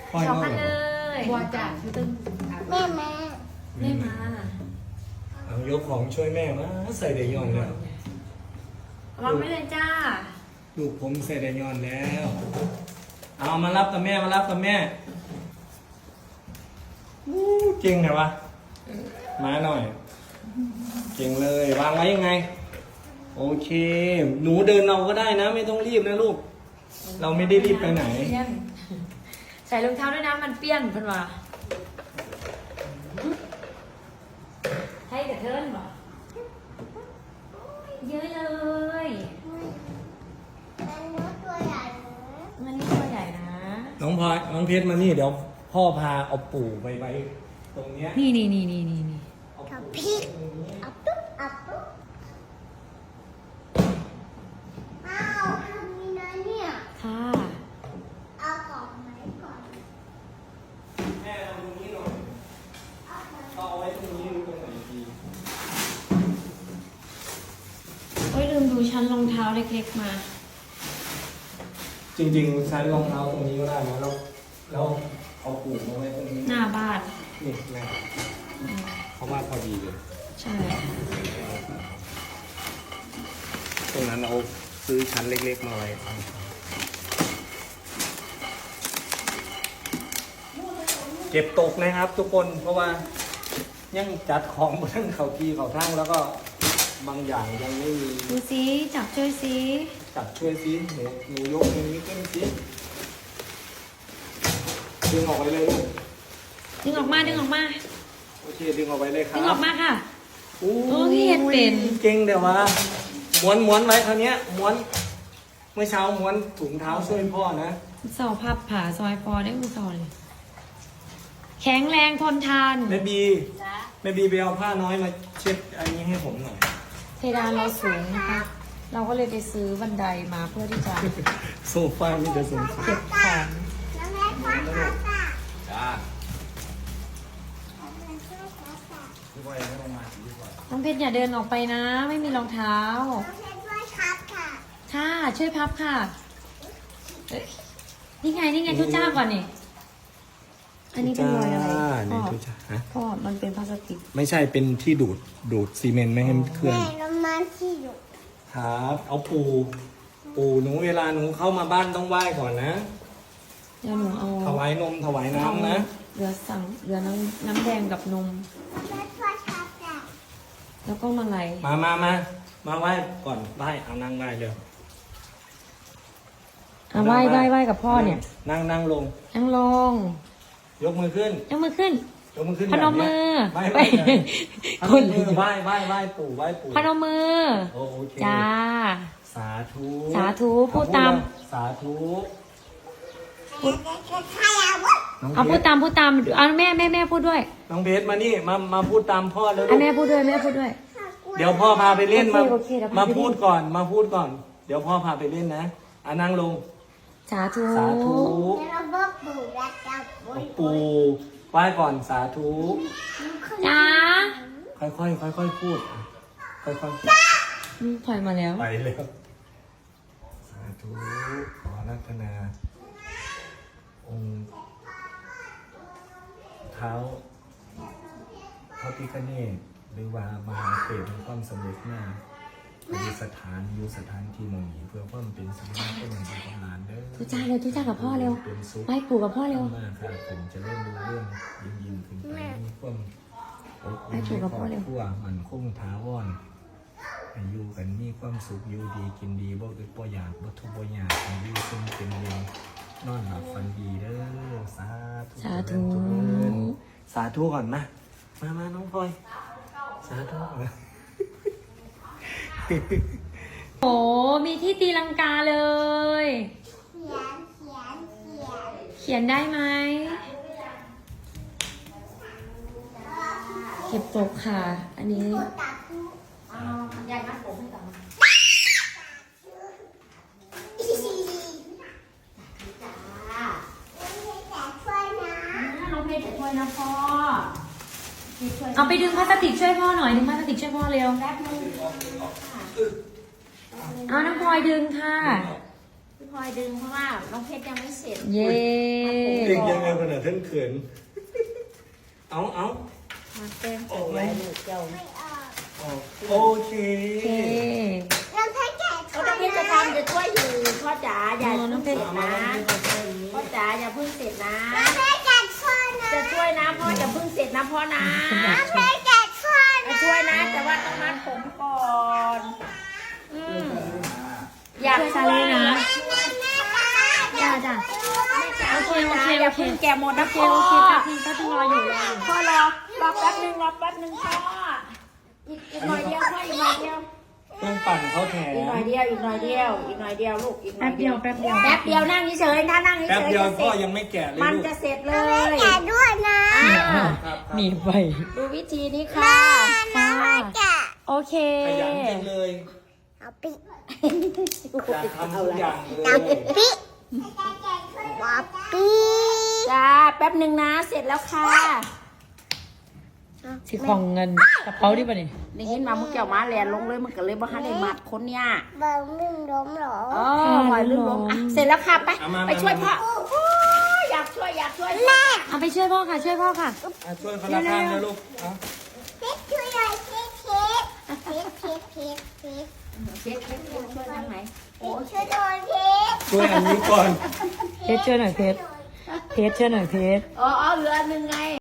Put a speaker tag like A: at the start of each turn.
A: ปล่อย
B: สอง
A: มา
B: พัน
A: เหร
B: เล
A: อย
B: บัวจ่าคือตึ้ง
C: แม่มา
B: แม่มา
A: เอายกของช่วยแม่มาใส่เดยอนแล้ว
B: วางไม่เลยจ้า
A: ลูกผมใส่เดยอนแล้ว เอามารับกับแม่มารับกับแม่อู้เก่งไงวะมาหน่อย เก่งเลยวางไว้ยังไง โอเค หนูเดินเอาก็ได้นะ ไม่ต้องรีบนะลูก เราไม่ได้รีบไปไหน
B: เปี้ยนใส่รองเท้าด้วยนะมันเปี้ยนเพิ่นว่าให้กับเทิร์นบ่เยอะเลย
C: มันเนื้อตัวใหญ่เลย
B: มันนี่ตัวใหญ่นะ
A: น้องพลอยน้องเพชรมานี่เดี๋ยวพ่อพาเอาปู่ไปไว้ตรงเนี้ย
B: นี่
A: เอา
C: กับ
A: ปู่
C: พริก
A: ตรงนี้
C: อับตุ๊บอับตุ๊บอ้าวทำนี่นะเนี่ย
B: ค่ะ
C: เอาของไหนก่อน
A: แม่เอาตรงนี้หน่อยเอาไว้ตรงนี้หรือตรงไหนดี
B: โอ้ยลืมดูชั้นรองเท้าเล็กๆมา
A: จริงๆใช้รองเท้าตรงนี้ก็ได้นะแล้วเอาปู่มาไว้ตรงนี้
B: หน้าบ้าน
A: นี่แม่เพราะว่าพอดีเลย
B: ใช่
A: ตรงนั้นเอาซื้อชั้นเล็กๆมาไว้เก็บตกนะครับ ทุกคนเพราะว่ายังจัดของบนทั้งเขาที่เขาทั้งแล้วก็บางอย่างยังไม่มี
B: ดูสิจับช่วยสิ
A: จับช่วยซิหนูยกตรงนี้ขึ้นซิดึงออกไปเลยลูก
B: ดึงออกมา
A: โอเคดึงออกไปเลยครับ
B: ดึงออกมาค่ะ
A: โอ้
B: โอ้ยเห็นเป็น
A: เก่งเดี๋ยวว่าม้วนไว้คราวเนี้ยม้วนเมื่อเช้าม้วนถุงเท้าช่วยพ่อนะ
B: เสาพับผาซอยฟอได้มือเสาเลยแข็งแรงทนทาน
A: แม่บีไปเอาผ้าน้อยมาเช็ดอันนี้ให้ผมหน่อย
B: เพดานเราสูงนะคะ เราก็เลยไปซื้อบันไดมาเพื่อที่จะ
A: โซฟามีแต่โซฟา
B: เก็บของ
C: น้องแม่พ่อครับอ่ะ
A: จ้า
C: น้องแม่ช่วยครับอ่ะ
A: พี่บอยไม่ลงมาพี่บอย
B: น้องเพชรอย่าเดินออกไปนะ ไม่มีรองเท้า
C: น้องแม่ช่วยครับค่ะ
B: ค่ะ ช่วยพับค่ะเอ้ยนี่ไงทุจ้าก่อนนี่ อันนี้เป็นรอยอะไร
A: นี่
B: พ่อ
A: ทุจ้าฮะ
B: พ่อมันเป็นพลาสติก
A: ไม่ใช่เป็นที่ดูดซีเมนต์ไม่ให้มันเคลื่อน
C: แม่น้ำมันที่อยู่
A: ครับ เอาปูหนูเวลาหนูเข้ามาบ้านต้องไหว้ก่อนนะ
B: เดี๋ยวหนูเอา
A: ถวายนมถวายน้ำนะ
B: เรือน้ำแดงกับนม
C: น้องแม่ช่วยครับอ่ะ
B: แล้วก็มาลัย
A: มาไหว้ก่อนไหว้เอานั่งไหว้เร็ว
B: อ่ะไหว้กับพ่อเนี่ย
A: นั่งลง
B: นั่งลง
A: ยกมือขึ้น
B: ยกมือขึ้น
A: ยกมือขึ้น
B: พนมมือ
A: ไหว้
B: ไป
A: ค
B: คน น
A: มือไหว้ปู่ไหว้ปู่
B: พนมมือ
A: โอเค
B: จ้า
A: สาธุ
B: สาธุพูดตาม
A: สาธุ
C: แม่จะช่วยใครอ่ะวะ
A: น้อง
B: เอา
A: เพ
B: พูด
A: ชร
B: ตามเอาแม่พูดด้วย
A: น้องเพชรมานี่มาพูดตามพ่อแล้วลู
B: อ่ะ
A: ก
B: แม่พูดด้วย
A: เดี๋ยวพ่อพาไปเล่น
B: โอเคเดี๋ยวพาไปเล่น
A: มาพูดก่อน เดี๋ยวพ่อพาไปเล่นนะอ่ะนั่งลง
B: สาธุ
A: สาธุ
C: เดี๋ยวเราบอกปู่รักจับบุญ
A: ปู่ไหว้ก่อนสาธุ
B: จ้า
A: ค่อยพูดค่อยๆ
B: ถอยมาแล้ว
A: ไปเลยสาธุขอรัตนา องค์เท้าพระพิฆเนศหรือว่ามหาเปรตในความสำเร็จหน้าอยู่สถานที่หมองนี้เพื่อเพิ่มเป็นสิริมงคลในความนานเด้อ
B: ทุจ้าเร็วทุจ้ากับพ่อเร็ว
A: เป็นสุข
B: ไหว้ปู่กับพ่อเร็ว
A: มากครับผมจะเล่นดูเรื่องยิ่งขึ้นไปมีความอบอุ่
B: ให้
A: น
B: ปู่กับพ่อเร็ว
A: ครบครัวมันคงถาวรให้อยู่กันมีความสุขอยู่ดีกินดีบ่อึดบ่อยากบ่ทุกข์บ่ยากให้อยู่ซึ่งเป็นเย็นนอนหลับฝันดีเด้อสาธุ
B: สาธุ
A: เจริญสาธุก่อนมาน้องพลอยสาธุ
B: โอ้มีที่ตีลังกาเลย เขียนได้ไหมเก็บตกค่ะ อันนี้
C: ยายมัดผมให้ก่อนจ้าช่วยนะ
B: น้องเพชรจะช่วยนะพ่อ เอาไปดึงพลาสติกช่วยพ่อหน่อยดึงพลาสติกช่วยพ่อเร็ว
C: แป๊บนึง
B: เอาน้ำพลอยดึงค่ะ
D: พี่พลอยดึงเพราะว่าน้องเพชรยังไม่เสร็จ
B: เย้
A: เก่งยังไงขนาดท่านเขินเอา
D: มาเต็มโอ้ยลูกเจ้า
C: ไม่ออก
A: โอเค
B: โอเค
C: น้องเพชรแกะ
D: เขาน้องเพชรจะทำจะช่วยอยู่พ่อจ๋าอย่า
B: น้องเพชร
D: เพิ่งเสร็จนะพ่อจ๋าอย่าเพิ่งเสร็จนะ
C: น้องเพชรแกะช่วยนะ
D: จะช่วยนะพ่ออย่าเพิ่งเสร็จนะพ่อนะ
C: น้องเพชรแกะช่วย
D: จะ
C: นะ
D: ช่วยนะแต่ว่าต้องมัดผมก่อนอยาก
B: ช่วย
D: ช่
B: ซา
D: วย
B: เล่นะ
C: แม่
B: จ้าจ้า
D: โอเค
B: โอเค
D: อย่า
B: โอเค
D: เพิ่งแกะหมดนะ
B: โอเค
D: พ่อ
B: โอเคแป๊บนึงรออยู่
D: พ่อรอแป๊บนึงพ่ออีกหน่อยเดียวพ่ออีกหน่อยเดียว
A: เครื่องปั่นเขาแถ
D: อีกหน่อย
A: ม
D: เดียวอีกหน่อยเดียวอีกหน่อยเดียวลูกอีกหน่
B: แป๊
D: อย
B: บเดียวแป๊บเดียว
D: แป๊บเดียวนั่งเฉยๆถ้านั่งเฉ
A: แป๊บ
D: ยๆ
A: เดียว
D: จะเส
A: พ่อ
D: ร็จ
A: ยังไม่แกะเลย
D: มัน
A: ลูก
D: จะเสร็จเล
C: น้องเพชร
D: ย
C: แกะด้วยนะ
A: ครับ
B: หนีไป
D: ดูวิธีนี้ค่ะ
C: น้องเพชรแกะ
B: โอเค
A: ขยันจังเลย
C: เอาปิ
A: อยากทำทุกอย่างเล
C: เอา
A: ย
C: ปิป๊อปปี้
D: จ้าแป๊บหนึ่งนะเสร็จแล้วค่ะ
B: สิของเงินกระเป๋าดิป่ะนี่
D: ได้ยินมาเมื่อกี้มาแลนลงเลยมันก็เลยบ่ทันได้มัดคนเนี่ย
C: บอลไม่ล้มหรอ
D: อ๋อหอยลื่นล้มอ่ะเสร็จแล้วค่ะไปไปช่วยพ่อโอ้ยอยากช่วยแม่
B: เอาไปช่วยพ่อค่ะ ช่วยพ่อค่ะ
A: อ่ะช่วยคนละข้างนะลูกเอา
C: เพชรช่วยหน่อยเพชรเพชร
D: ช่วยทางไหน
C: ช่วยหน่อยเพชร
A: ช่วยอันนี้ก่อน
B: เพชรช่วยหน่อยเพชร เพชรช่วยหน่อยเพชร
D: อ๋อเหลือหนึ่งไง